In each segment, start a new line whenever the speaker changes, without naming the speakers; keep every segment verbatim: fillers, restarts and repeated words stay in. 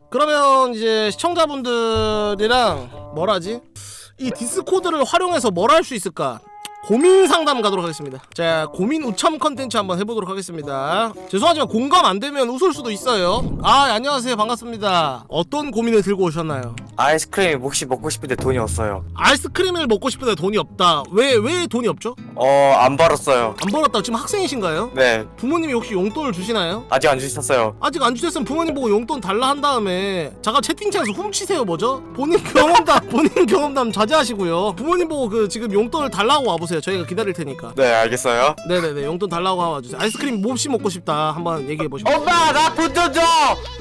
그러면 이제 시청자분들이랑 뭐라지? 이 디스코드를 활용해서 뭘 할 수 있을까? 고민 상담 가도록 하겠습니다. 자, 고민 우참 컨텐츠 한번 해보도록 하겠습니다. 죄송하지만 공감 안 되면 웃을 수도 있어요. 아, 안녕하세요. 반갑습니다. 어떤 고민을 들고 오셨나요?
아이스크림 혹시 먹고 싶은데 돈이 없어요.
아이스크림을 먹고 싶은데 돈이 없다. 왜, 왜 돈이 없죠?
어, 안 벌었어요.
안 벌었다고? 지금 학생이신가요?
네,
부모님이 혹시 용돈을 주시나요?
아직 안 주셨어요.
아직 안 주셨으면 부모님 보고 용돈 달라 한 다음에 잠깐 채팅창에서 훔치세요. 뭐죠? 본인 경험담 본인 경험담 자제하시고요. 부모님 보고 그 지금 용돈을 달라고 와보세요. 저희가 기다릴 테니까.
네, 알겠어요.
네네네, 용돈 달라고 와주세요. 아이스크림 몹시 먹고 싶다 한번 얘기해보시고.
엄마, 나 돈 좀 줘!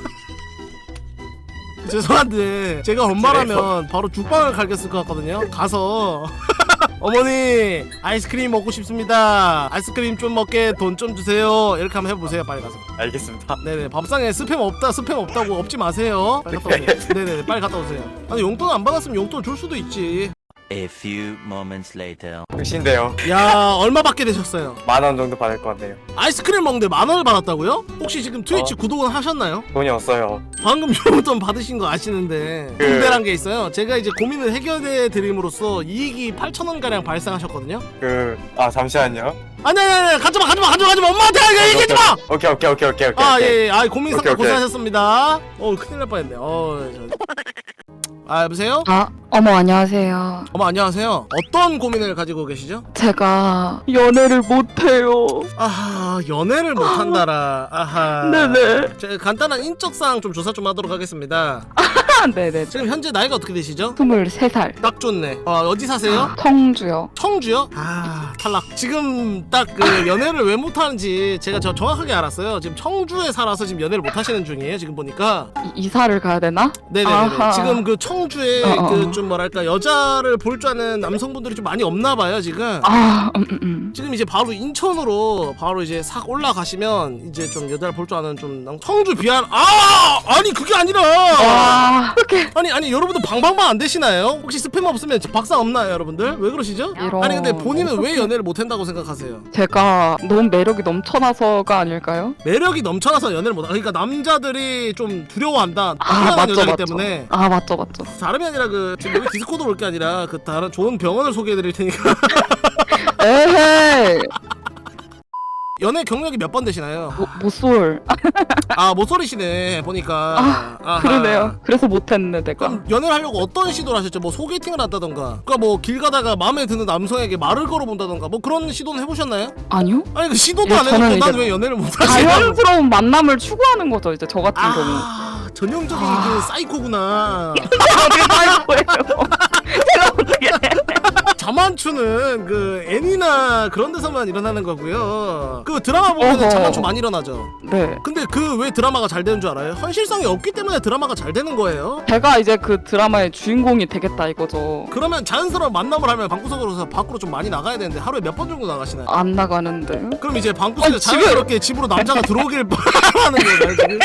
죄송한데 제가 엄마라면 바로 죽방을 갈겼을 것 같거든요. 가서 어머니 아이스크림 먹고 싶습니다. 아이스크림 좀 먹게 돈 좀 주세요. 이렇게 한번 해보세요. 빨리 가서.
알겠습니다.
네네, 밥상에 스팸 없다 스팸 없다고 없지 마세요. 빨리 갔다 오세요. 네네네, 빨리 갔다 오세요. 아니 용돈 안 받았으면 용돈 줄 수도 있지.
A few moments later.
끝인데요.
야, 얼마 받게 되셨어요?
만 원 정도 받을 것 같네요.
아이스크림 먹는데 만 원을 받았다고요? 혹시 지금 트위치
어.
구독은 하셨나요?
돈이 없어요.
방금 용돈 받으신 거 아시는데
그-
군대란 게 있어요. 제가 이제 고민을 해결해 드림으로써 이익이 팔천 원 가량 발생하셨거든요.
그, 아, 잠시만요.
아니 아니 아니, 가지마 가지마 가지마 가지마, 엄마한테 얘기하지 마.
오케이, 오케이, 오케이, 오케이, 오케이.
아,
오케이.
예, 예. 아, 고민 상담
오케이, 오케이.
고생하셨습니다. 어, 큰일 날 뻔했네. 어, 저... 아, 여보세요?
아, 어머 안녕하세요.
어머, 안녕하세요. 어떤 고민을 가지고 계시죠?
제가 연애를 못해요.
아하, 연애를 못한다라. 아하.
네네.
제가 간단한 인적사항 좀 조사 좀 하도록 하겠습니다.
네네.
지금 현재 나이가 어떻게 되시죠?
스물세 살.
딱 좋네. 어, 어디 사세요?
청주요.
청주요? 아, 탈락. 지금 딱 그 연애를 왜 못하는지 제가 저 정확하게 알았어요. 지금 청주에 살아서 지금 연애를 못하시는 중이에요. 지금 보니까.
이, 이사를 가야 되나?
네네네.
아하.
지금 그 청주에
어어.
그 좀 뭐랄까 여자를 볼 줄 아는 남성분들이 좀 많이 없나 봐요. 지금.
아, 음, 음, 음.
지금 이제 바로 인천으로 바로 이제 싹 올라가시면 이제 좀 여자를 볼 줄 아는 좀 남- 청주 비안. 아, 아니 그게 아니라.
와, 이렇게
아니 아니 여러분들 방방방 안 되시나요? 혹시 스팸 없으면 박사 없나요, 여러분들? 왜 그러시죠?
이런.
아니 근데 본인은 왜
어떡해.
연애를 못 한다고 생각하세요?
제가 너무 매력이 넘쳐나서가 아닐까요?
매력이 넘쳐나서 연애를 못 하. 그러니까 남자들이 좀 두려워한다.
아,
희한한
맞죠,
여자기
맞죠.
때문에.
아, 맞죠, 맞죠.
다름이 아니라 그 지금 여기 디스코드 올 게 아니라 그 다른 좋은 병원을 소개해 드릴 테니까.
에헤이.
연애 경력이 몇 번 되시나요?
모, 모쏠.
아, 모쏠이시네 보니까.
아,
아하.
그러네요. 그래서 못했네, 내가.
그럼 연애를 하려고 어떤 시도를 하셨죠? 뭐 소개팅을 한다던가, 그러니까 뭐 길 가다가 마음에 드는 남성에게 말을 걸어본다던가, 뭐 그런 시도는 해보셨나요?
아니요?
아니 그 시도도
예,
안
저는
해놓고 난
이제
왜 연애를 못하시냐고.
자연스러운 만남을 추구하는 거죠, 이제 저 같은 경우.
아, 전형적인
아.
그 사이코구나.
아이고예요. 제가 어떻게
자만추는 그 애니나 그런 데서만 일어나는 거고요. 그 드라마 보면
어허.
자만추 많이 일어나죠.
네.
근데 그 왜 드라마가 잘 되는 줄 알아요? 현실성이 없기 때문에 드라마가 잘 되는 거예요.
제가 이제 그 드라마의 주인공이 되겠다 이거죠.
그러면 자연스러운 만남을 하면 방구석으로서 밖으로 좀 많이 나가야 되는데 하루에 몇 번 정도 나가시나요?
안 나가는데.
그럼 이제 방구석에
아, 지금-
자연스럽게 집으로 남자가 들어오길 바라는 거예요 지금.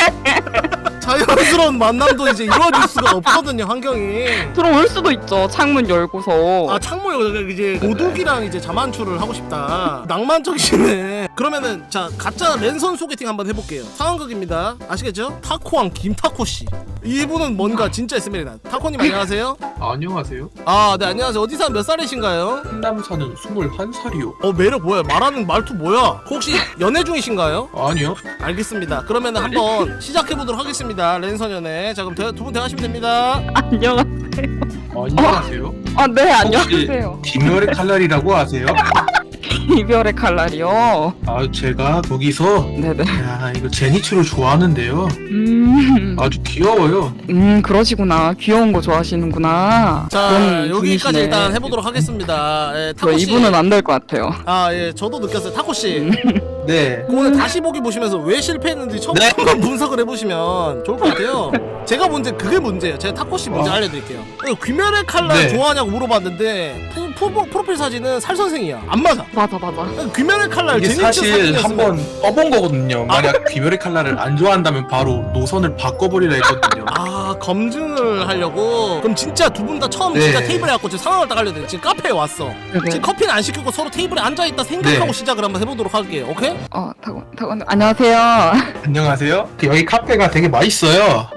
자연스러운 만남도 이제 이루어질 수가 없거든요, 환경이.
들어올 수도 있죠. 창문 열고서.
아, 창모요. 이제 도둑이랑 이제 자만추를 하고 싶다. 낭만적이시네. 그러면은 자, 가짜 랜선 소개팅 한번 해볼게요. 상황극입니다. 아시겠죠? 타코왕 김타코 씨. 이분은 뭔가 진짜 있습니다. 타코님 안녕하세요.
안녕하세요.
아, 네, 안녕하세요. 어디 사는 몇 살이신가요?
한남 사는 스물한 살이요.
어, 매력 뭐야? 말하는 말투 뭐야? 혹시 연애 중이신가요?
아니요.
알겠습니다. 그러면은 한번 시작해 보도록 하겠습니다. 랜선 연애. 자, 그럼 두 분 대화하시면 됩니다.
안녕하세요.
안녕하세요.
아, 네, 안녕하세요.
김열의 칼날이라고 아세요?
이별의 칼날이요.
아, 제가 거기서
네네.
야, 이거 제니츠를 좋아하는데요.
음,
아주 귀여워요.
음, 그러시구나. 귀여운 거 좋아하시는구나.
자,
그런
여기까지
분이시네.
일단 해보도록 하겠습니다. 예,
저
타코 씨.
이분은 안 될 것 같아요.
아, 예, 저도 느꼈어요. 타코 씨.
네.
그 오늘 다시 보기 보시면서 왜 실패했는지 처음
네.
한번 분석을 해보시면 좋을 것 같아요. 제가 문제 그게 문제예요. 제가 타코 씨 문제
어.
알려드릴게요. 귀멸의 칼날
네.
좋아하냐고 물어봤는데 프, 프, 프로필 사진은 살 선생이야. 안 맞아.
맞아, 맞아.
귀멸의 칼날
이게
제니츠
사실
사진이었으면
한번 써본 거거든요. 만약 김열의 칼날을 안 좋아한다면 바로 노선을 바꿔버리라 했거든요.
아, 검증을 하려고. 그럼 진짜 두 분 다 처음
네.
진짜 테이블에 갖고 지금 상황을 딱 알려드릴게요. 지금 카페에 왔어.
네네.
지금 커피는 안 시키고 서로 테이블에 앉아있다 생각하고
네.
시작을 한번 해보도록 할게요. 오케이?
어, 타고, 타고, 안녕하세요.
안녕하세요. 그 여기 카페가 되게 맛있어요.
카페가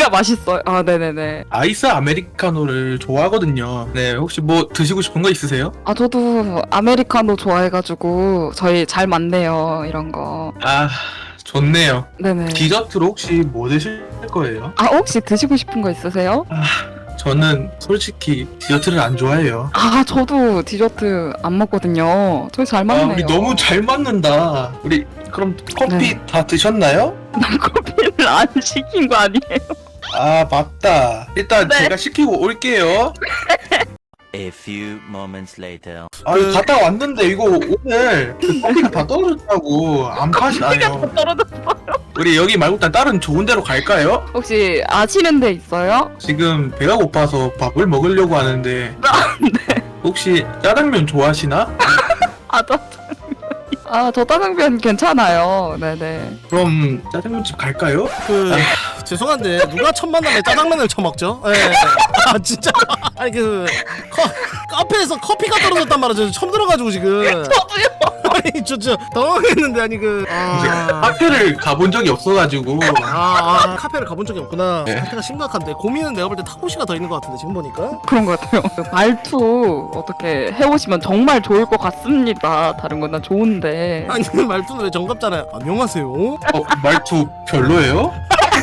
커피가 맛있어요. 아, 네네네.
아이스 아메리카노를 좋아하거든요. 네, 혹시 뭐 드시고 싶은 거 있으세요?
아, 저도 아메리카노 좋아해가지고 저희 잘 맞네요. 이런 거.
아, 좋네요.
네네.
디저트로 혹시 뭐 드실 거예요?
아, 혹시 드시고 싶은 거 있으세요?
저는 솔직히 디저트를 안 좋아해요.
아, 저도 디저트 안 먹거든요. 저희 잘
아,
맞네요.
우리 너무 잘 맞는다. 우리 그럼 커피
네.
다 드셨나요?
난 커피를 안 시킨 거 아니에요?
아, 맞다. 일단
네.
제가 시키고 올게요.
A few moments later.
아,
그-
갔다 왔는데 이거 오늘 그 커피가 다 떨어졌다고 안 파시나요?
떨어졌어요.
우리 여기 말고 일단 다른 좋은 데로 갈까요?
혹시 아시는 데 있어요?
지금 배가 고파서 밥을 먹으려고 하는데
네.
혹시 짜장면 좋아하시나?
아, 짜장면. 아, 저 짜장면 괜찮아요. 네네.
그럼 짜장면집 갈까요?
그 죄송한데 누가 첫 만남에 짜장면을 처먹죠? 예. 아 진짜 아니 그 커, 카페에서 커피가 떨어졌단 말이죠. 처음 들어가지고 지금.
저도요.
아니 저 저 당황했는데 아니 그. 아,
카페를 가본 적이 없어가지고
아, 아 카페를 가본 적이 없구나.
네.
카페가 심각한데 고민은 내가 볼 때 타코시가 더 있는 것 같은데 지금 보니까.
그런 것 같아요. 그 말투 어떻게 해오시면 정말 좋을 것 같습니다. 다른 건 다 좋은데.
아니 말투는 왜 정갑잖아요. 안녕하세요.
어, 말투 별로예요?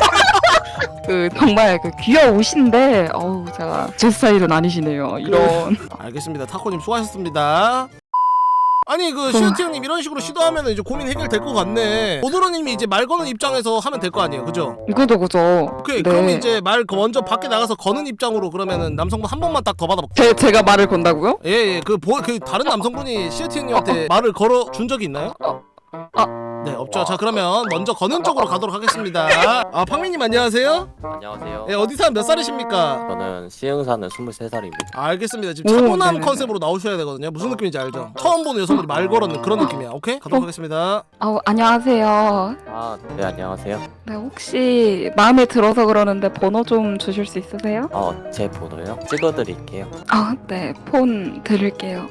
그 정말 그 귀여우신데 어우 제가 제 스타일은 아니시네요. 이런.
알겠습니다. 타코님 수고하셨습니다. 아니 그 시어티 형님 이런 식으로 시도하면 이제 고민 해결될 것 같네. 오드로님이 이제 말 거는 입장에서 하면 될 거 아니에요, 그죠?
그죠 그죠.
오케이
네.
그럼 이제 말 먼저 밖에 나가서 거는 입장으로 그러면은 남성분 한 번만 딱 더 받아볼게요.
제 제가 말을 건다고요?
예예 그 보 그 다른 남성분이 시어티 형님한테 말을 걸어 준 적이 있나요?
아.
네 없죠. 자 그러면 먼저 거는 쪽으로 가도록 하겠습니다. 아 팡민님 안녕하세요.
안녕하세요.
예 어디 사람 몇 살이십니까?
저는 시흥 사는 스물세 살입니다.
알겠습니다. 지금
오,
차분한
네네.
컨셉으로 나오셔야 되거든요. 무슨 느낌인지 알죠? 처음 보는 여성분이 말 걸었는 그런 느낌이야. 오케이 가도록 하겠습니다.
아 안녕하세요.
아, 네, 안녕하세요.
네 혹시 마음에 들어서 그러는데 번호 좀 주실 수 있으세요?
어, 제 번호요? 찍어드릴게요.
아 네 폰 드릴게요.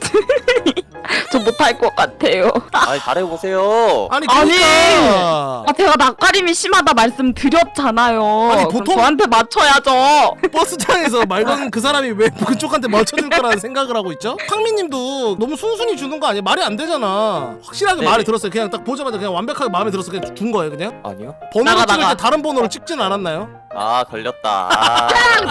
저 못할 것 같아요.
아, 잘해보세요.
아니
아니.
그러니까
아 제가 낯가림이 심하다 말씀드렸잖아요.
아니,
그럼
보통-
저한테 맞춰야죠.
버스장에서 말 거는 그 사람이 왜 그쪽한테 맞춰줄 거라는 생각을 하고 있죠? 팡민님도 너무 순순히 주는 거 아니야? 말이 안 되잖아. 확실하게
네네.
말이 들었어요. 그냥 딱 보자마자 그냥 완벽하게 마음에 들어서 그냥 준 거예요, 그냥.
아니요?
번호를
나가,
찍을
나가.
때 다른 번호를 찍진 않았나요?
아, 걸렸다. 아,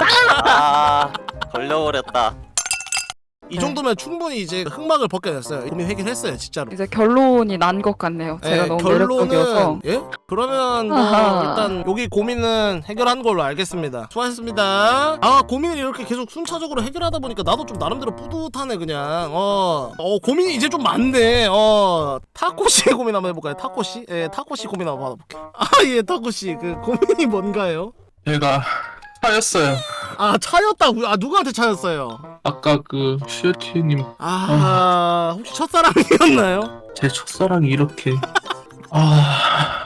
아 걸려버렸다.
이 정도면 충분히 이제 흑막을 벗겨냈어요. 고민 해결했어요, 진짜로.
이제 결론이 난 것 같네요. 제가
예,
너무 매력적이어서.
예? 그러면 뭐
아하.
일단 여기 고민은 해결한 걸로 알겠습니다. 수고하셨습니다. 아 고민을 이렇게 계속 순차적으로 해결하다 보니까 나도 좀 나름대로 뿌듯하네 그냥. 어, 어 고민이 이제 좀 많네. 어 타코씨의 고민 한번 해볼까요? 타코씨? 예, 타코씨 고민 한번 받아볼게요. 아 예, 타코씨 그 고민이 뭔가요?
제가 차였어요.
아 차였다고요? 아 누구한테 차였어요?
아까 그 시어티님
아 혹시 첫사랑이었나요?
제 첫사랑이 이렇게 아